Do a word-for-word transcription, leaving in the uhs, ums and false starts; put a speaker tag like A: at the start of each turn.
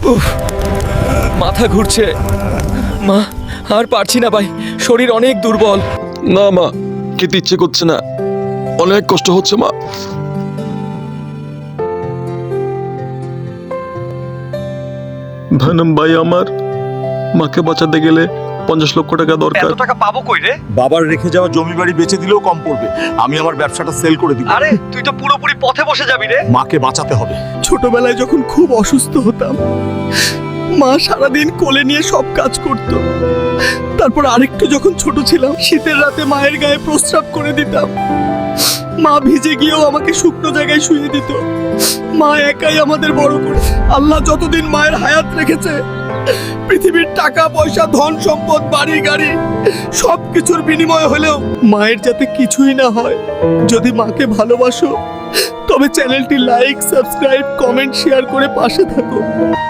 A: উফ, মাথা ঘুরছে। মা, আর পারছি না ভাই, শরীর অনেক দুর্বল।
B: না মা, খেতে ইচ্ছে করছে না, অনেক কষ্ট হচ্ছে মা। ধনম ভাই, আমার মাকে বাঁচাতে গেলে পঞ্চাশ লক্ষ টাকা দরকার।
C: এত টাকা পাবো কই রে?
D: বাবার রেখে যাওয়া জমি বাড়ি বেচে দিলেও কম পড়বে। আমি আমার ব্যবসাটা সেল করে দিব।
C: আরে তুই তো পুরোপুরি পথে বসে যাবি রে।
D: মাকে বাঁচাতে হবে।
E: ছোটবেলায় যখন খুব অসুস্থ হতাম, মা সারাদিন কোলে নিয়ে সব কাজ করত। তারপর আরেকটু যখন ছোট ছিলাম, শীতের রাতে মায়ের গায়ে প্রস্রাব করে দিতাম। মা ভিজে গিয়েও আমাকে শুকনো জায়গায় শুয়ে দিত। মা একাই আমাদের বড় করে। আল্লাহ যতদিন মায়ের হায়াত রেখেছে, পৃথিবীর টাকা পয়সা, ধন সম্পদ, বাড়ি গাড়ি সব কিছুর বিনিময় হলেও মায়ের যাতে কিছুই না হয়। যদি মাকে ভালোবাসো তবে চ্যানেলটি লাইক, সাবস্ক্রাইব, কমেন্ট, শেয়ার করে পাশে থাকো।